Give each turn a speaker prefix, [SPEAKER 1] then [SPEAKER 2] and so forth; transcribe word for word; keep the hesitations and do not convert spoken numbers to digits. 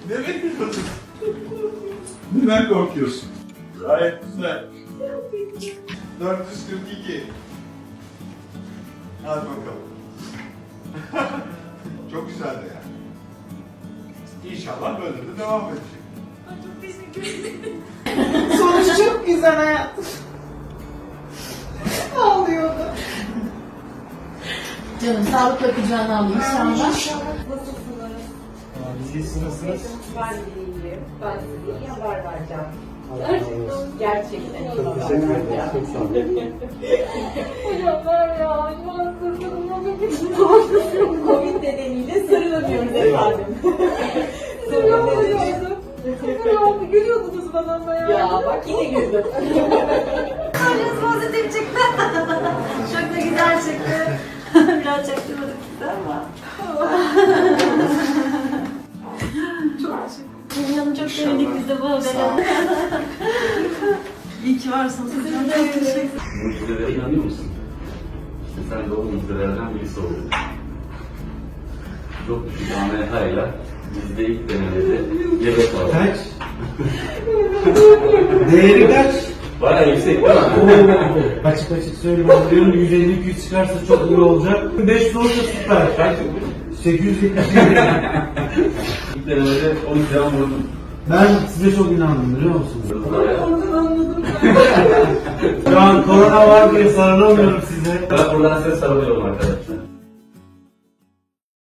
[SPEAKER 1] Ne bekliyorsun? Neden korkuyorsun? Gayet güzel. dört yüz kırk iki. Hadi bakalım. Çok güzel de yani. İnşallah böyle de devam edecek.
[SPEAKER 2] Ay çok teşekkür ederim.
[SPEAKER 3] Sonuç çok güzel hayatım. Ağlıyordu.
[SPEAKER 4] Canım sağlıkla kucağına al inşallah.
[SPEAKER 2] Nasılsınız?
[SPEAKER 5] Biz iyisiniz.
[SPEAKER 2] Ben de iyiyim. Ben size iyi haber vereceğim.
[SPEAKER 5] Gerçekten.
[SPEAKER 2] Gerçekten iyi
[SPEAKER 5] Çok
[SPEAKER 2] haber
[SPEAKER 5] teşekkür ederim.
[SPEAKER 2] vereceğim.
[SPEAKER 5] Çok sağ olun.
[SPEAKER 2] Hocam var ya, şu an sırtımda Covid nedeniyle sarılamıyoruz efendim. Sarılamıyoruz. Sarılamıyoruz. Gülüyordunuz bana ama ya. Ya bak yine güldüm.
[SPEAKER 4] Kalbimiz pozitif çıktı. Çok da güzel çıktı. Biraz çaktırmadık size ama.
[SPEAKER 2] Çok teşekkür ederim.
[SPEAKER 4] Canım çok sevindik biz de bu habere. İyi ki varsınız. Hocam çok teşekkür ederim.
[SPEAKER 6] Mucizelere inanıyor musun? İşte sen de o mucizelerden birisi oldun. Çok düşük A M H ile bizde ilk denemede yedek var.
[SPEAKER 5] Kaç? Değeri kaç?
[SPEAKER 6] Bayağı yüksek değil mi?
[SPEAKER 5] Oo, açık açık söylüyorum. Diyorum yüz elli iki yüz çıkarsa çok iyi olacak. beş yüz olursa süper.
[SPEAKER 6] Kaç?
[SPEAKER 5] sekiz yüz yetmiş yedi.
[SPEAKER 6] İlk denemede on iki gram vurdum.
[SPEAKER 5] Ben size çok inandım biliyor musunuz?
[SPEAKER 2] Oradan anladım.
[SPEAKER 5] Şu an korona var diye sarılamıyorum size.
[SPEAKER 6] Ben buradan size sarılıyorum arkadaşlar.